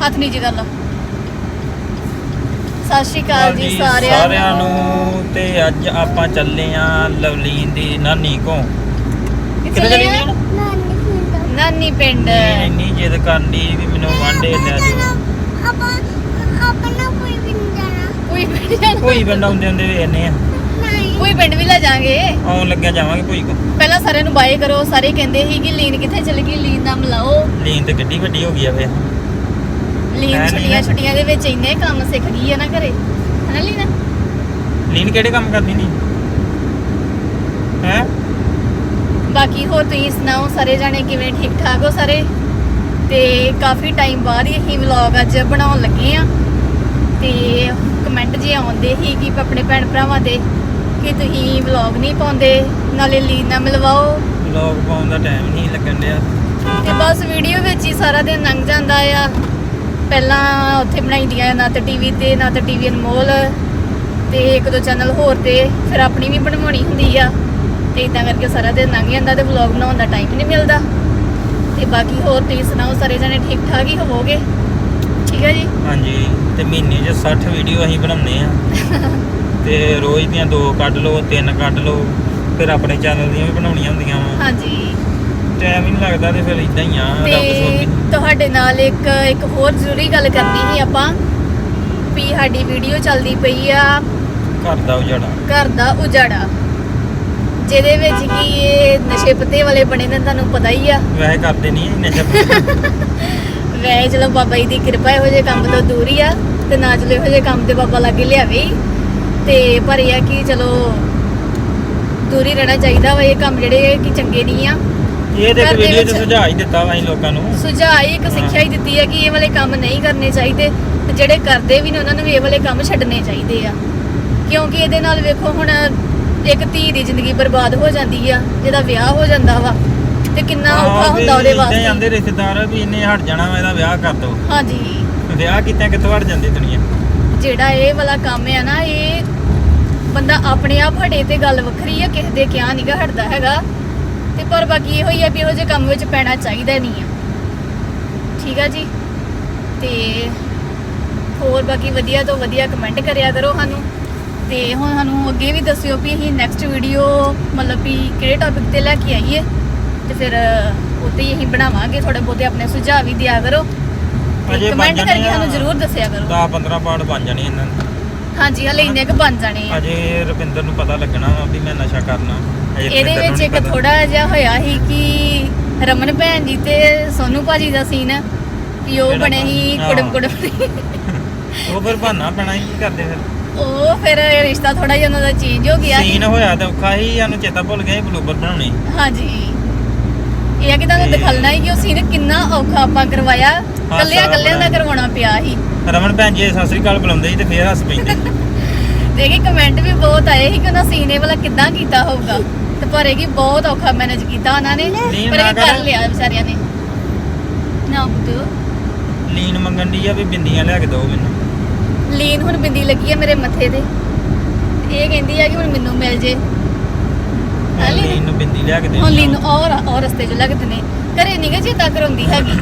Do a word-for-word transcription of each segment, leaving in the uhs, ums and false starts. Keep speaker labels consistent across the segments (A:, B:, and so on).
A: ਹੱਥ ਨੀਚੇ ਕਰ ਲਾ। ਸਤਿ ਸ਼੍ਰੀ ਅਕਾਲ ਜੀ ਸਾਰਿਆਂ
B: ਸਾਰਿਆਂ ਨੂੰ। ਤੇ ਅੱਜ ਆਪਾਂ ਚੱਲੇ ਆ ਲਵਲੀਨ ਦੀ ਨਾਨੀ ਕੋ।
A: ਕਿੱਥੇ ਚੱਲੇ ਆ? ਨਾਨੀ ਪਿੰਡ।
B: ਇੰਨੀ ਜਿੱਦ ਕਰਨੀ ਵੀ ਮੈਨੂੰ ਵਾਂਡੇ ਲੈ ਜਾਓ।
C: ਆਪਾਂ ਆਪਣਾ ਕੋਈ ਵੀ ਨਹੀਂ ਜਾਣਾ।
A: ਕੋਈ ਪਿੰਡ ਜਾਣਾ।
B: ਕੋਈ ਪਿੰਡ ਆਉਂਦੇ ਹੁੰਦੇ ਵੇਖਨੇ ਆ।
C: ਨਹੀਂ
A: ਕੋਈ ਪਿੰਡ ਵੀ ਲੈ ਜਾਾਂਗੇ।
B: ਆਉਣ ਲੱਗਿਆ ਜਾਵਾਂਗੇ ਕੋਈ ਕੋ।
A: ਪਹਿਲਾਂ ਸਾਰਿਆਂ ਨੂੰ ਬਾਏ ਕਰੋ। ਸਾਰੇ ਕਹਿੰਦੇ ਸੀ ਕਿ ਲੀਨ ਕਿੱਥੇ ਚਲ ਗਈ, ਲੀਨ ਦਾ ਮਿਲਾਓ।
B: ਲੀਨ ਤੇ ਕਿੱਡੀ ਵੱਡੀ ਹੋ ਗਈ ਆ ਵੇ।
A: ਲੀਨ
B: ਹੈ ਨੀ
A: ਛੁੱਟੀਆਂ
B: ਨਾ।
A: ਛੁੱਟੀਆਂ ਦੇ ਵਿੱਚ ਇੰਨੇ ਕੰਮ ਸਿੱਖ ਗਈ ਹੈ ਨਾ ਘਰੇ, ਹਨਾ ਲੀਨਾ?
B: ਲੀਨ ਕਿਹੜੇ ਕੰਮ ਕਰਦੀ ਨਹੀਂ ਹੈ?
A: ਬਾਕੀ ਹੋਰ ਤੁਸੀਂ ਸੁਣਾਓ, ਸਾਰੇ ਜਾਣੇ ਕਿਵੇਂ? ਠੀਕ ਠਾਕ ਹੋ ਸਾਰੇ? ਤੇ ਕਾਫੀ ਟਾਈਮ ਬਾਅਦ ਹੀ ਅਸੀਂ ਵਲੌਗ ਅੱਜ ਬਣਾਉਣ ਲੱਗੇ ਆ। ਤੇ ਕਮੈਂਟ ਜੇ ਆਉਂਦੇ ਸੀ ਕਿ ਆਪਣੇ ਭੈਣ ਭਰਾਵਾਂ ਦੇ ਕਿ ਤੁਸੀਂ ਵਲੌਗ ਨਹੀਂ ਪਾਉਂਦੇ, ਨਾਲੇ ਲੀਨ ਨਾਲ ਮਿਲਵਾਓ।
B: ਵਲੌਗ ਪਾਉਣ ਦਾ ਟਾਈਮ ਨਹੀਂ ਲੱਗਣ ਡਿਆ।
A: ਤੇ ਬਸ ਵੀਡੀਓ ਵਿੱਚ ਹੀ ਸਾਰਾ ਦਿਨ ਲੰਘ ਜਾਂਦਾ ਆ। ਪਹਿਲਾਂ ਉੱਥੇ ਬਣਾਈ ਦੀਆਂ ਨਾ ਤੇ ਟੀਵੀ ਤੇ ਨਾ ਤੇ ਟੀਵੀ ਅਨਮੋਲ ਤੇ ਇੱਕ ਦੋ ਚੈਨਲ ਹੋਰ ਤੇ ਫਿਰ ਆਪਣੀ ਵੀ ਬਣਵਾਉਣੀ ਹੁੰਦੀ ਆ। ਤੇ ਇਦਾਂ ਕਰਕੇ ਸਾਰਾ ਦਿਨ ਲੰਘ ਜਾਂਦਾ ਤੇ ਵਲੌਗ ਬਣਾਉਣ ਦਾ ਟਾਈਮ ਨਹੀਂ ਮਿਲਦਾ। ਤੇ ਬਾਕੀ ਹੋਰ ਤੁਸੀਂ ਸੁਣਾਓ, ਸਾਰੇ ਜਣੇ ਠੀਕ ਠਾਕ ਹੀ ਹੋਵੋਗੇ? ਠੀਕ ਹੈ ਜੀ।
B: ਹਾਂਜੀ। ਤੇ ਮਹੀਨੇ 'ਚ ਸੱਠ ਵੀਡੀਓ ਅਸੀਂ ਬਣਾਉਂਦੇ ਆ। ਤੇ ਰੋਜ਼ ਦੀਆਂ ਦੋ ਕੱਢ ਲਓ, ਤਿੰਨ ਕੱਢ ਲਓ, ਫਿਰ ਆਪਣੇ ਚੈਨਲ ਦੀਆਂ ਵੀ ਬਣਾਉਣੀਆਂ ਹੁੰਦੀਆਂ ਵਾ।
A: ਹਾਂਜੀ।
B: ਟਾਈਮ ਹੀ ਨਹੀਂ ਲੱਗਦਾ ਤੇ ਫਿਰ ਇਦਾਂ ਹੀ ਆ। ਰੱਬ
A: ਤੇ
B: ਸੋਚੀ
A: ਤੁਹਾਡੇ ਨਾਲ ਇੱਕ ਇੱਕ ਹੋਰ ਜ਼ਰੂਰੀ ਗੱਲ ਕਰਨੀ ਸੀ ਆਪਾਂ ਵੀ ਸਾਡੀ ਵੀਡੀਓ ਚੱਲਦੀ ਪਈ ਆ
B: ਘਰ ਦਾ ਉਜਾੜਾ।
A: ਘਰ ਦਾ ਉਜਾੜਾ, ਜਿਹਦੇ ਵਿੱਚ ਕੀ ਇਹ ਨਸ਼ੇ ਪੱਤੇ ਵਾਲੇ ਬਣੇ ਨੇ, ਤੁਹਾਨੂੰ ਪਤਾ ਹੀ ਆ।
B: ਵੈਸੇ ਕਰਦੇ ਨਹੀਂ ਇੰਨੇ ਚੱਪ।
A: ਵੈਸੇ ਚਲੋ ਬਾਬਾ ਜੀ ਦੀ ਕਿਰਪਾ ਇਹੋ ਜਿਹੇ ਕੰਮ ਤੋਂ ਦੂਰ ਹੀ ਆ ਤੇ ਨਾ ਚਲੋ ਇਹੋ ਜਿਹੇ ਕੰਮ ਤੇ ਬਾਬਾ ਲਾਗੇ ਲਿਆਵੇ ਹੀ। ਤੇ ਪਰ ਇਹ ਆ ਕਿ ਚਲੋ ਦੂਰ ਹੀ ਰਹਿਣਾ ਚਾਹੀਦਾ ਵਾ ਇਹ ਕੰਮ ਜਿਹੜੇ ਕਿ ਚੰਗੇ ਨਹੀਂ ਆ।
B: ਇਹ ਤੇ ਇੱਕ
A: ਘਰ ਦੇ
B: ਵੀਡੀਓ 'ਚ
A: ਵਿੱਚ
B: ਸੁਝਾਅ ਹੀ ਦਿੱਤਾ ਵਾ ਅਸੀਂ ਲੋਕਾਂ ਨੂੰ।
A: ਸੁਝਾਅ ਹੀ ਇੱਕ ਸਿੱਖਿਆ ਹੀ ਦਿੱਤੀ ਹੈ ਕਿ ਇਹ ਵਾਲੇ ਕੰਮ ਨਹੀਂ ਕਰਨੇ ਚਾਹੀਦੇ ਤੇ ਜਿਹੜੇ ਕਰਦੇ ਵੀ ਨੇ ਉਹਨਾਂ ਨੂੰ ਵੀ ਇਹ ਵਾਲੇ ਕੰਮ ਛੱਡਣੇ ਚਾਹੀਦੇ ਆ। ਕਿਉਂਕਿ ਇਹਦੇ ਨਾਲ ਵੇਖੋ ਹੁਣ ਇੱਕ ਧੀ ਦੀ ਜ਼ਿੰਦਗੀ ਬਰਬਾਦ ਹੋ ਜਾਂਦੀ ਆ, ਜਿਹਦਾ ਵਿਆਹ ਹੋ ਜਾਂਦਾ ਵਾ ਤੇ ਕਿੰਨਾ ਔਖਾ ਹੁੰਦਾ ਉਹਦੇ
B: ਜਾਂਦੇ
A: ਵਾਸਤੇ।
B: ਰਿਸ਼ਤੇਦਾਰ ਵੀ ਇੰਨੇ ਹਟ ਜਾਣਾ ਵਾ, ਇਹਦਾ ਵਿਆਹ ਕਰ ਦੋ।
A: ਹਾਂਜੀ।
B: ਵਿਆਹ ਕੀਤਾ ਕਿੱਥੋਂ ਹਟ ਜਾਂਦੀ ਦੁਨੀਆ।
A: ਜਿਹੜਾ ਇਹ ਵਾਲਾ ਕੰਮ ਆ ਨਾ, ਇਹ ਬੰਦਾ ਆਪਣੇ ਆਪ ਹਟੇ ਤੇ ਗੱਲ ਵੱਖਰੀ ਆ, ਕਿਸੇ ਦੇ ਕਿਹਾ ਨਹੀਂਗਾ ਹਟਦਾ ਹੈਗਾ। ਤੇ ਪਰ ਬਾਕੀ ਇਹੋ ਹੀ ਆ ਵੀ ਇਹੋ ਜਿਹੇ ਕੰਮ ਵਿੱਚ ਪੈਣਾ ਚਾਹੀਦਾ ਨਹੀਂ ਆ। ਠੀਕ ਆ ਜੀ। ਤੇ ਹੋਰ ਬਾਕੀ ਵਧੀਆ ਤੋਂ ਵਧੀਆ ਕਮੈਂਟ ਕਰਿਆ ਕਰੋ ਸਾਨੂੰ। ਤੇ ਹੁਣ ਸਾਨੂੰ ਅੱਗੇ ਵੀ ਦੱਸਿਓ ਵੀ ਅਸੀਂ ਨੈਕਸਟ ਵੀਡੀਓ ਮਤਲਬ ਵੀ ਕਿਹੜੇ ਟੌਪਿਕ ਤੇ ਲੈ ਕੇ ਆਈਏ ਤੇ ਫਿਰ ਉੱਤੇ ਹੀ ਅਸੀਂ ਬਣਾਵਾਂਗੇ। ਥੋੜੇ ਬਹੁਤੇ ਆਪਣੇ ਸੁਝਾਅ ਵੀ ਦਿਆ ਕਰੋ,
B: ਅਜੇ
A: ਕਮੈਂਟ
B: ਬਣ
A: ਕਰਕੇ
B: ਜਾਣੇ ਆ।
A: ਸਾਨੂੰ ਜ਼ਰੂਰ ਦੱਸਿਆ ਕਰੋ।
B: ਦਸ ਪੰਦਰਾਂ ਪਾਰਟ ਬਣ ਜਾਣੇ ਇਹਨਾਂ ਦੇ।
A: ਹਾਂਜੀ, ਹਲੇ ਇੰਨੇ ਕੁ ਬਣ ਜਾਣੇ ਆ।
B: ਅਜੇ ਰੁਪਿੰਦਰ ਨੂੰ ਪਤਾ ਲੱਗਣਾ ਵਾ ਵੀ ਮੈਂ ਨਸ਼ਾ ਕਰਨਾ। ਅਜੇ
A: ਇਹਦੇ
B: ਰੁਪਿੰਦਰ ਨੂੰ
A: ਵਿੱਚ
B: ਨੀ
A: ਇੱਕ
B: ਪਤਾ।
A: ਥੋੜਾ ਜਿਹਾ ਹੋਇਆ ਸੀ ਕਿ ਰਮਨ ਭੈਣ ਜੀ ਤੇ ਸੋਨੂ ਭਾਜੀ ਦਾ ਸੀਨ ਕਿ ਉਹ
B: ਜਿਹੜਾ
A: ਬਣੇ ਸੀ
B: ਹਾਂ।
A: ਕੁੜਮ ਕੁੜਮ।
B: ਉਹ ਫਿਰ ਬਹਾਨਾ ਪੈਣਾ ਹੀ ਕੀ ਕਰਦੇ ਫਿਰ।
A: ਉਹ ਫਿਰ ਰਿਸ਼ਤਾ ਥੋੜਾ ਜਿਹਾ ਉਹਨਾਂ ਦਾ ਚੇਂਜ ਹੋ ਗਿਆ ਸੀ।
B: ਸੀਨ ਹੋਇਆ ਤੇ ਔਖਾ ਹੀ, ਸਾਨੂੰ ਚੇਤਾ ਭੁੱਲ ਗਿਆ ਸੀ ਬਲੂਬਰ ਬਣਾਉਣੇ।
A: ਹਾਂਜੀ। ਇਹ ਆ ਕਿ ਤੁਹਾਨੂੰ
B: ਤੇ-
A: ਦਿਖਾਉਣਾ ਹੀ ਕਿ ਉਹ ਸੀਨ ਕਿੰਨਾ ਔਖਾ ਆਪਾਂ ਕਰਵਾਇਆ, ਕੱਲਿਆਂ ਕੱਲਿਆਂ ਦਾ ਕਰਵਾਉਣਾ ਪਿਆ ਸੀ।
B: ਰਮਨ ਭੈਣ ਜੀ ਸਤਿ ਸ੍ਰੀ ਅਕਾਲ ਬੁਲਾਉਂਦੇ ਸੀ ਤੇ ਫੇਰ ਹੱਸ ਪੈਂਦੇ।
A: ਤੇ ਕਿ ਕਮੈਂਟ ਵੀ ਬਹੁਤ ਆਏ ਸੀ ਕਿ ਉਹਨਾਂ ਸੀਨ ਇਹ ਵਾਲਾ ਕਿੱਦਾਂ ਕੀਤਾ ਹੋਊਗਾ ਤੇ ਪਰ ਇਹ ਕਿ ਬਹੁਤ ਔਖਾ ਮੈਨੇਜ ਕੀਤਾ ਉਹਨਾਂ ਨੇ,
B: ਲੀਨ
A: ਪਰ
B: ਨਾ
A: ਇਹ ਕਰ
B: ਕਰ।
A: ਲਿਆ ਵਿਚਾਰਿਆਂ ਨੇ। ਨਾ ਬੁੱਧੂ
B: ਲੀਨ ਮੰਗਣ ਦੀ ਆ ਵੀ ਬਿੰਦੀਆਂ ਲਿਆ ਕੇ ਦਿਓ ਮੈਨੂੰ।
A: ਲੀਨ ਹੁਣ ਬਿੰਦੀ ਲੱਗੀ ਹੈ ਮੇਰੇ ਮੱਥੇ ਤੇ, ਇਹ ਕਹਿੰਦੀ ਆ ਕਿ ਹੁਣ ਮੈਨੂੰ ਮਿਲ ਜੇ। ਹਾਂ ਲੀਨ?
B: ਲੀਨ ਨੂੰ ਬਿੰਦੀ ਲਿਆ ਕੇ ਦੇ।
A: ਹੁਣ ਲੀਨ ਨੂੰ ਔਰ ਔਰ ਰਸਤੇ 'ਚ ਲੱਗਦੇ ਨੇ, ਘਰੇ ਨਹੀਂ ਗਾ ਚੇਤਾ ਕਰਾਉਂਦੀ ਹੈਗੀ।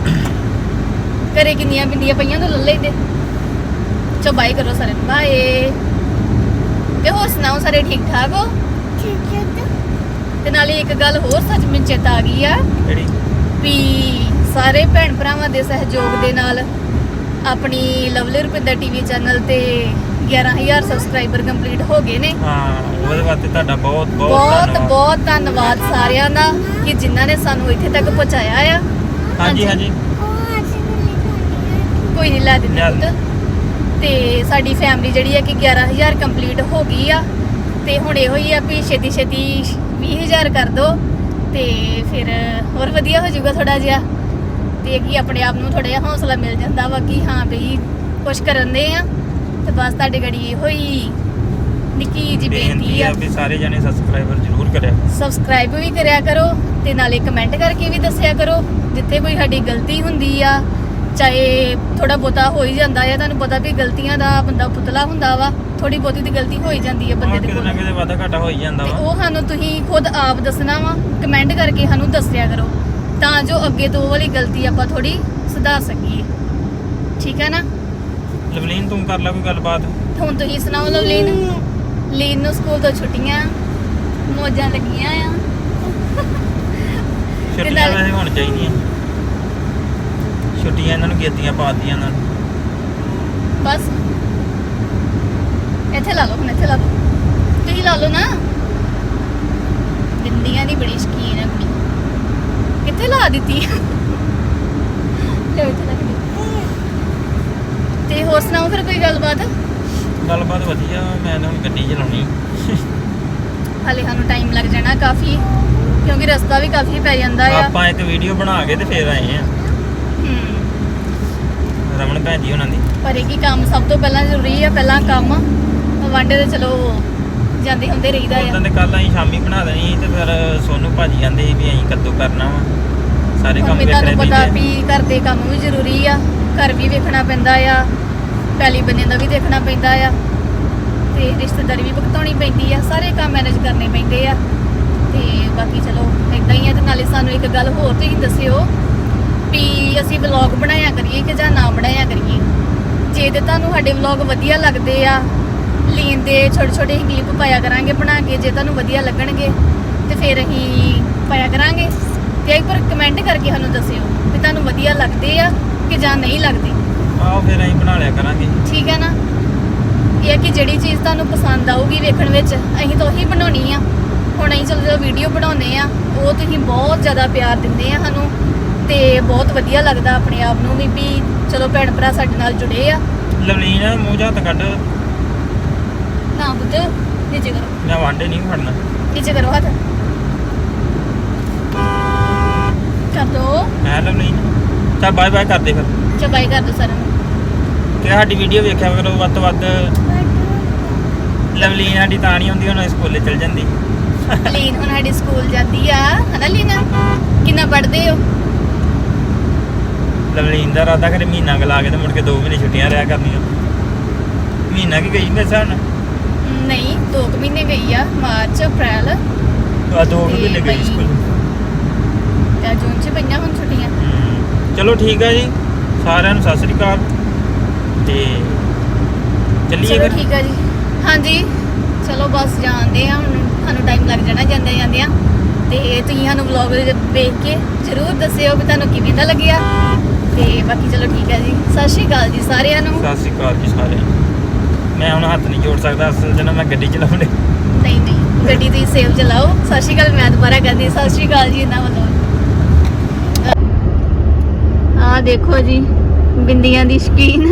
A: ਘਰੇ ਕਿੰਨੀਆਂ ਬਿੰਦੀਆਂ ਪਈਆਂ ਤੋਂ ਲੈ ਲੈਂਦੇ। ਚੋ ਬਾਏ ਕਰੋ ਸਾਰੇ ਨੂੰ, ਬਾਏ। ਤੇ ਹੋਰ ਸੁਣਾਓ, ਸਾਰੇ ਠੀਕ ਠਾਕ ਹੋ?
C: ਠੀਕ ਹੈ ਤਾਂ
A: ਤੇ ਨਾਲੇ ਇੱਕ ਗੱਲ ਹੋਰ ਸੱਚ ਮੈਨੂੰ ਚੇਤਾ ਆ ਗਈ ਆ
B: ਕਿਹੜੀ?
A: ਵੀ ਸਾਰੇ ਭੈਣ ਭਰਾਵਾਂ ਦੇ ਸਹਿਯੋਗ ਦੇ ਨਾਲ ਆਪਣੀ ਲਵਲੀ ਰੁਪਿੰਦਰ ਟੀਵੀ ਚੈਨਲ ਤੇ ਗਿਆਰਾਂ ਹਜ਼ਾਰ ਸਬਸਕ੍ਰਾਈਬਰ ਕੰਪਲੀਟ ਹੋ ਗਏ ਨੇ।
B: ਹਾਂ, ਉਹਦੇ ਵਾਸਤੇ ਤੁਹਾਡਾ ਬਹੁਤ ਬਹੁਤ
A: ਬਹੁਤ
B: ਧੰਨਵਾਦ।
A: ਬਹੁਤ ਧੰਨਵਾਦ ਸਾਰਿਆਂ ਦਾ ਕਿ ਜਿਨ੍ਹਾਂ ਨੇ ਸਾਨੂੰ ਇੱਥੇ ਤੱਕ ਪਹੁੰਚਾਇਆ ਆ।
B: ਹਾਂਜੀ ਹਾਂਜੀ।
C: ਉਹ ਅਸੀਂ ਨਹੀਂ ਖਾਣੀ।
A: ਕੋਈ ਨਹੀਂ ਲੈ ਦਿੰਦੇ
B: ਲੈ
A: ਪੁੱਤ। ਤੇ ਸਾਡੀ ਫੈਮਿਲੀ ਜਿਹੜੀ ਆ ਕਿ ਗਿਆਰਾਂ ਹਜ਼ਾਰ ਕੰਪਲੀਟ ਹੋ ਗਈ ਆ ਤੇ ਹੁਣ ਇਹੋ ਹੀ ਆ ਵੀ ਛੇਤੀ ਛੇਤੀ ਵੀਹ ਹਜ਼ਾਰ ਕਰ ਦੋ ਤੇ ਫਿਰ ਹੋਰ ਵਧੀਆ ਹੋ ਜਾਊਗਾ ਥੋੜਾ ਜਿਹਾ। ਤੇ ਕੀ ਆਪਣੇ ਆਪ ਨੂੰ ਥੋੜਾ ਜਿਹਾ ਹੌਸਲਾ ਮਿਲ ਜਾਂਦਾ ਵਾ ਕਿ ਹਾਂ ਬਈ ਕੁਛ ਕਰਨ ਦੇ ਆ। ਤੇ ਬਸ ਤੁਹਾਡੇ ਗੜੀ ਇਹੋ ਹੀ ਨਿੱਕੀ ਜੀ ਬੇਨਤੀ ਆ
B: ਵੀ ਸਾਰੇ ਜਣੇ ਸਬਸਕ੍ਰਾਈਬਰ ਜ਼ਰੂਰ ਕਰਿਆ।
A: ਸਬਸਕ੍ਰਾਈਬ ਵੀ ਕਰਿਆ ਕਰੋ ਤੇ ਨਾਲੇ ਕਮੈਂਟ ਕਰਕੇ ਵੀ ਦੱਸਿਆ ਕਰੋ ਜਿੱਥੇ ਕੋਈ ਸਾਡੀ ਗਲਤੀ ਹੁੰਦੀ ਆ, ਚਾਹੇ ਥੋੜਾ ਬਹੁਤਾ ਹੋ ਹੀ ਜਾਂਦਾ ਆ। ਤੁਹਾਨੂੰ ਪਤਾ ਵੀ ਗਲਤੀਆਂ ਦਾ ਬੰਦਾ ਪੁਤਲਾ ਹੁੰਦਾ ਵਾ, ਥੋੜੀ ਬਹੁਤੀ ਦੀ ਗਲਤੀ ਹੋ ਹੀ ਜਾਂਦੀ ਆ ਬੰਦੇ ਦੇ
B: ਕਿਤੇ ਨਾ
A: ਕੋਲ।
B: ਕਿਤੇ ਵਾਧਾ ਘਾਟਾ ਹੋ ਹੀ ਜਾਂਦਾ
A: ਤੇ
B: ਵਾ।
A: ਉਹ ਸਾਨੂੰ ਤੁਸੀਂ ਖੁਦ ਆਪ ਦੱਸਣਾ ਵਾ, ਕਮੈਂਟ ਕਰਕੇ ਸਾਨੂੰ ਦੱਸਿਆ ਕਰੋ ਤਾਂ ਜੋ ਅੱਗੇ ਤੋਂ ਉਹ ਵਾਲੀ ਗਲਤੀ ਆਪਾਂ ਥੋੜੀ ਸੁਧਾਰ ਸਕੀਏ। ਠੀਕ ਹੈ ਨਾ।
B: ਲਵਲੀਨ ਤੂੰ ਕਰ ਲੈ ਕੋਈ ਗੱਲਬਾਤ।
A: ਹੁਣ ਤੁਸੀਂ ਸੁਣਾਓ ਲਵਲੀਨ। ਲੀਨ ਨੂੰ ਸਕੂਲ ਤੋਂ ਛੁੱਟੀਆਂ ਮੌਜਾਂ ਲੱਗੀਆਂ ਆ।
B: ਛੁੱਟੀਆਂ
A: ਨਾਲ-
B: ਵੈਸੇ ਹੋਣ ਚਾਹੀਦੀਆਂ। ਛੁੱਟੀਆਂ ਇਹਨਾਂ ਨੂੰ ਗੇਤੀਆਂ ਪਾਤੀਆਂ ਇਹਨਾਂ ਨੂੰ।
A: ਬਸ ਇੱਥੇ ਲਾ ਲਓ ਹੁਣ ਇੱਥੇ ਲਾ ਲਓ ਤੁਸੀਂ ਲਾ ਲਓ ਨਾ। ਬਿੰਦੀਆਂ ਦੀ ਬੜੀ ਸ਼ਕੀਨ ਹੈ ਕੁੜੀ। ਕਿੱਥੇ ਲਾ ਦਿੱਤੀ ਲੈ ਇੱਥੇ ਲੱਗ ਗਈ। ਤੇ ਹੋਰ ਸੁਣਾਓ ਫਿਰ ਕੋਈ ਗੱਲਬਾਤ।
B: ਗੱਲਬਾਤ ਵਧੀਆ। ਮੈਂ ਤਾਂ ਹੁਣ ਗੱਡੀ ਚਲਾਉਣੀ।
A: ਹਾਲੇ ਸਾਨੂੰ ਟਾਈਮ ਲੱਗ ਜਾਣਾ ਕਾਫੀ ਕਿਉਂਕਿ ਰਸਤਾ ਵੀ ਕਾਫੀ ਪੈ ਜਾਂਦਾ ਆ।
B: ਆਪਾਂ ਇੱਕ ਵੀਡੀਓ ਬਣਾ ਕੇ ਤੇ ਫੇਰ ਆਏ ਆ
A: ਹੂੰ
B: ਰਮਨ ਭੈਣ ਜੀ ਉਹਨਾਂ ਦੀ।
A: ਪਰ ਇਹ ਕੀ ਕੰਮ ਸਭ ਤੋਂ ਪਹਿਲਾਂ ਜ਼ਰੂਰੀ ਆ। ਪਹਿਲਾਂ ਕੰਮ ਵਾਂਡੇ ਤੇ ਚਲੋ ਜਾਂਦੇ ਹੁੰਦੇ ਰਹੀਦਾ
B: ਉਦੋਂ
A: ਆ।
B: ਤੇ ਕੱਲ ਅਸੀਂ ਸ਼ਾਮੀ ਬਣਾ ਦੇਣੀ ਸੀ ਤੇ ਫਿਰ ਸੋਨੂੰ ਭਾਜੀ ਕਹਿੰਦੇ ਸੀ ਵੀ ਅਸੀਂ ਕੱਦੂ ਕਰਨਾ ਵਾ। ਸਾਰੇ
A: ਹੁਣ
B: ਕੰਮ
A: ਵੀ
B: ਵੇਖਣੇ
A: ਤੁਹਾਨੂੰ ਪਤਾ
B: ਪੈਂਦੇ ਆ।
A: ਵੀ ਘਰ ਦੇ ਕੰਮ ਵੀ ਜ਼ਰੂਰੀ ਆ। ਘਰ ਵੀ ਵੇਖਣਾ ਪੈਂਦਾ ਆ। ਪੈਲੀ ਬੰਨੇ ਦਾ ਵੀ ਦੇਖਣਾ ਪੈਂਦਾ ਆ ਤੇ ਰਿਸ਼ਤੇਦਾਰੀ ਵੀ ਭੁਗਤਾਉਣੀ ਪੈਂਦੀ ਆ। ਸਾਰੇ ਕੰਮ ਮੈਨੇਜ ਕਰਨੇ ਪੈਂਦੇ ਆ ਤੇ ਬਾਕੀ ਚਲੋ ਇਦਾਂ ਹੀ ਆ। ਤੇ ਨਾਲੇ ਸਾਨੂੰ ਇੱਕ ਗੱਲ ਹੋਰ ਤੁਸੀਂ ਦੱਸਿਓ ਵੀ ਅਸੀਂ ਵਲੌਗ ਬਣਾਇਆ ਕਰੀਏ ਕਿ ਜਾਂ ਨਾ ਬਣਾਇਆ ਕਰੀਏ। ਜੇ ਤੇ ਤੁਹਾਨੂੰ ਸਾਡੇ ਵਲੌਗ ਵਧੀਆ ਲੱਗਦੇ ਆ ਲੀਨ ਦੇ ਛੋਟੇ ਛੋਟੇ ਕਲਿੱਪ ਪਾਇਆ ਕਰਾਂਗੇ ਬਣਾ ਕੇ। ਜੇ ਤੁਹਾਨੂੰ ਵਧੀਆ ਲੱਗਣਗੇ ਤੇ ਫਿਰ ਅਸੀਂ ਪਾਇਆ ਕਰਾਂਗੇ। ਤੇ ਇੱਕ ਵਾਰ ਕਮੈਂਟ ਕਰਕੇ ਸਾਨੂੰ ਦੱਸਿਓ ਵੀ ਤੁਹਾਨੂੰ ਵਧੀਆ ਲੱਗਦੇ ਆ ਕਿ ਜਾਂ ਨਹੀਂ ਲੱਗਦੇ।
B: ਆਓ ਫਿਰ ਅਸੀਂ ਬਣਾ ਲਿਆ ਕਰਾਂਗੇ।
A: ਠੀਕ ਹੈ ਨਾ। ਇਹ ਹੈ ਕਿ ਜਿਹੜੀ ਚੀਜ਼ ਤੁਹਾਨੂੰ ਪਸੰਦ ਆਊਗੀ ਵੇਖਣ ਵਿੱਚ ਅਸੀਂ ਤਾਂ ਉਹੀ ਬਣਾਉਣੀ ਆ। ਹੁਣ ਅਸੀਂ ਚਲੋ ਜਦੋਂ ਵੀਡੀਓ ਬਣਾਉਂਦੇ ਆ ਉਹ ਤੁਸੀਂ ਬਹੁਤ ਜ਼ਿਆਦਾ ਪਿਆਰ ਦਿੰਦੇ ਆ ਸਾਨੂੰ ਤੇ ਬਹੁਤ ਵਧੀਆ ਲੱਗਦਾ ਆਪਣੇ ਆਪ ਨੂੰ ਵੀ ਵੀ ਚਲੋ ਭੈਣ ਭਰਾ ਸਾਡੇ ਨਾਲ ਜੁੜੇ ਆ।
B: ਲਵਲੀਨ ਮੂੰਹ ਜਾਂ ਹੱਥ ਕੱਢ।
A: ਨਾ ਪੁੱਤ ਨੀਚੇ ਕਰੋ
B: ਮੈਂ ਵਾਂਡੇ ਨਹੀਂ ਫੜਨਾ।
A: ਨੀਚੇ ਕਰੋ ਹੱਥ ਕਰ ਦੋ।
B: ਹੈ ਲਵਲੀਨ ਚੱਲ ਬਾਏ ਬਾਏ ਕਰਦੇ ਫਿਰ।
A: ਚਬਾਈ ਕਰ ਦੋ ਸਾਰਿਆਂ ਨੂੰ।
B: ਤੇ ਸਾਡੀ ਵੀਡੀਓ ਵੇਖਿਆ ਕਰੋ ਵੱਧ ਤੋਂ ਵੱਧ। ਲਵਲੀਨ ਸਾਡੀ ਤਾਂ ਨਹੀਂ ਹੁੰਦੀ ਹੁਣ ਸਕੂਲੇ ਚਲ ਜਾਂਦੀ।
A: ਲੀਨ ਹੁਣ ਸਾਡੀ ਸਕੂਲ ਜਾਂਦੀ ਆ ਹਨਾ ਲੀਨਾ। ਕਿੰਨਾ ਪੜ੍ਹਦੇ ਹੋ।
B: ਲਵਲੀਨ ਦਾ ਇਰਾਦਾ ਕਰੇ ਮਹੀਨਾ ਕੁ ਲਾ ਕੇ ਤੇ ਮੁੜ ਕੇ ਦੋ ਮਹੀਨੇ ਛੁੱਟੀਆਂ ਰਿਹਾ ਕਰਨੀਆਂ। ਮਹੀਨਾ ਕੀ ਗਈ ਮੇਰੇ ਹਿਸਾਬ ਨਾਲ।
A: ਨਹੀਂ ਦੋ ਕੁ ਮਹੀਨੇ ਗਈ ਆ ਮਾਰਚ ਅਪ੍ਰੈਲ
B: ਆ ਦੋ ਕੁ
A: ਤੇ
B: ਮਹੀਨੇ ਗਈ
A: ਬਈ-
B: ਸਕੂਲ।
A: ਤੇ ਜੂਨ ਚ ਪਈਆਂ ਹੁਣ ਛੁੱਟੀਆਂ।
B: ਹਮ, ਚਲੋ ਠੀਕ ਆ ਜੀ ਸਾਰਿਆਂ ਨੂੰ ਸਤਿ ਸ੍ਰੀ ਅਕਾਲ ਤੇ ਚੱਲੀਏ
A: ਚਲੋ
B: ਫਿਰ।
A: ਠੀਕ ਆ ਜੀ। ਹਾਂਜੀ ਚਲੋ ਬਸ ਜਾਂਦੇ ਆ ਹੁਣ। ਸਾਨੂੰ ਟਾਈਮ ਲੱਗ ਜਾਣਾ ਜਾਂਦੇ ਜਾਂਦਿਆਂ ਤੇ ਤੁਸੀਂ ਸਾਨੂੰ ਵਲੌਗ ਵੇਖ ਕੇ ਜ਼ਰੂਰ ਦੱਸਿਓ ਵੀ ਤੁਹਾਨੂੰ ਕਿਵੇਂ ਦਾ ਲੱਗਿਆ ਤੇ ਬਾਕੀ ਚਲੋ ਠੀਕ ਹੈ ਜੀ। ਸਤਿ ਸ਼੍ਰੀ ਅਕਾਲ ਜੀ ਸਾਰਿਆਂ ਨੂੰ।
B: ਸਤਿ ਸ੍ਰੀ ਅਕਾਲ ਜੀ ਸਾਰਿਆਂ ਨੂੰ। ਮੈਂ ਹੁਣ ਹੱਥ ਨਹੀਂ ਜੋੜ ਸਕਦਾ ਅਸਲ 'ਚ ਨਾ ਮੈਂ ਗੱਡੀ ਚਲਾਉਂਦੇ।
A: ਨਹੀਂ ਨਹੀਂ ਗੱਡੀ ਤੁਸੀਂ ਸੇਫ ਚਲਾਓ। ਸਤਿ ਸ਼੍ਰੀ ਅਕਾਲ ਮੈਂ ਦੁਬਾਰਾ ਕਰਦੀ ਸਤਿ ਸ਼੍ਰੀ ਅਕਾਲ ਜੀ ਇਹਨਾਂ ਵੱਲੋਂ। ਆ ਦੇਖੋ ਜੀ ਬਿੰਦੀਆਂ ਦੀ ਸ਼ਕੀਨ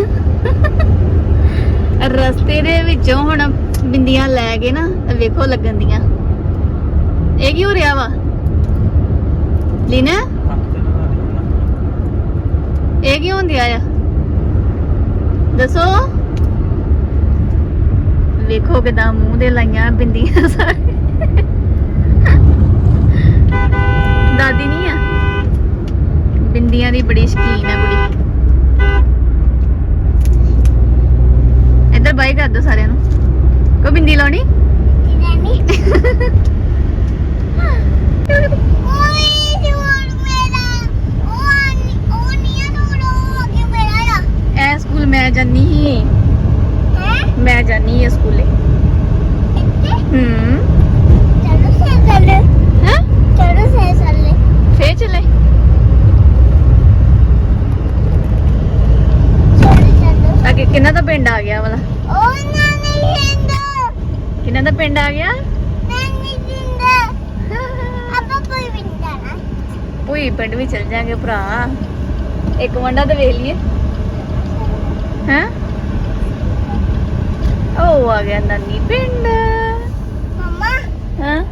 A: ਰਸਤੇ ਦੇ ਵਿੱਚੋਂ ਹੁਣ ਬਿੰਦੀਆਂ ਲੈ ਕੇ ਨਾ ਵੇਖੋ ਲੱਗਣ ਦੀਆਂ। ਇਹ ਕੀ ਹੋ ਰਿਹਾ ਵਾ ਲੀਨਾ। ਇਹ ਕੀ ਹੁੰਦਿਆ ਆ ਦੱਸੋ। ਵੇਖੋ ਕਿਦਾਂ ਮੂੰਹ ਦੇ ਲਾਈਆਂ ਬਿੰਦੀਆਂ ਸਾਰੇ। ਦਾਦੀ ਨਹੀਂ ਆ ਬਿੰਦੀਆਂ ਦੀ ਬੜੀ ਸ਼ਕੀਨ ਆ ਕੁੜੀ। ਇੱਧਰ ਬਾਈ ਕਰ ਦੋ ਸਾਰਿਆਂ ਨੂੰ। ਕੋ ਬਿੰਦੀ ਲਾਉਣੀ।
C: ਰਾਣੀ ਓਏ ਜੋਰ ਮੇਰਾ ਉਹ ਆਨੀ ਉਹ ਨਹੀਂ ਆ ਉਹ ਅੱਗੇ ਮੇਰਾ ਆ।
A: ਐ ਸਕੂਲ ਮੈਂ ਜਾਨੀ ਸੀ।
C: ਹੈ
A: ਮੈਂ ਜਾਨੀ ਆ ਸਕੂਲੇ।
C: ਇੱਥੇ
A: ਹੂੰ
C: ਚਲੋ ਸੇ ਚੱਲੇ
A: ਹੈ
C: ਚਲੋ ਸੇ ਚੱਲੇ
A: ਫੇਰ ਚਲੇ।
C: ਚਲੋ ਚਲੋ
A: ਅੱਗੇ ਕਿੰਨਾ ਦਾ ਪਿੰਡ ਆ ਗਿਆ ਵਾਲਾ।
C: ਉਹ ਨਾ ਨਹੀਂ ਹੁੰਦਾ
A: ਕਿੰਨਾ ਦਾ ਪਿੰਡ ਆ ਗਿਆ।
C: ਮੈਂ ਨਹੀਂ ਦਿੰਦਾ ਆਪਾਂ ਕੋਈ ਵੀ ਨਹੀਂ ਜਾਣਾ।
A: ਭੂਈ ਪਿੰਡ ਵੀ ਚਲ ਜਾਾਂਗੇ ਭਰਾ। ਇੱਕ ਵੰਡਾ ਤੇ ਵੇਖ ਲਈਏ ਹੈ। ਉਹ ਆ ਗਿਆ ਨਾਨੀ ਪਿੰਡ।
C: ਮਮਾ
A: ਹਾਂ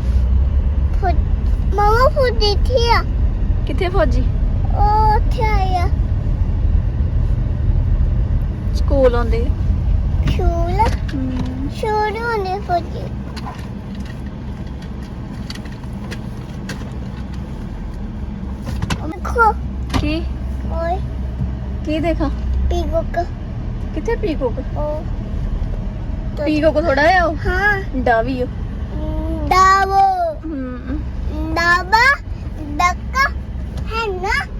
C: ਫੁੱਟ ਮਮਾ ਫੁੱਟ ਦਿੱਤੀ ਆ
A: ਕਿੱਥੇ ਫੌਜੀ।
C: ਉਹ ਉੱਥੇ ਆਇਆ
A: ਸਕੂਲ ਆਉਂਦੇ।
C: ਸ਼ੂਲ
A: ਹਮ,
C: ਸ਼ੂਲ ਹੁੰਦੇ ਫੁੱਟੀ ਦੇਖੋ
A: ਕੀ
C: ਓਏ
A: ਕੀ ਦੇਖਾ
C: ਪੀਗੋਕ
A: ਕਿੱਥੇ ਪੀਕੋਕ।
C: ਉਹ
A: ਪੀਕੋਕ ਥੋੜਾ ਆ ਉਹ
C: ਹਾਂ
A: ਡਾਵੀ ਉਹ।
C: ਡਾਵੋ
A: ਹਮ
C: ਡਾਬਾ ਡੱਕਾ ਹੈ ਨਾ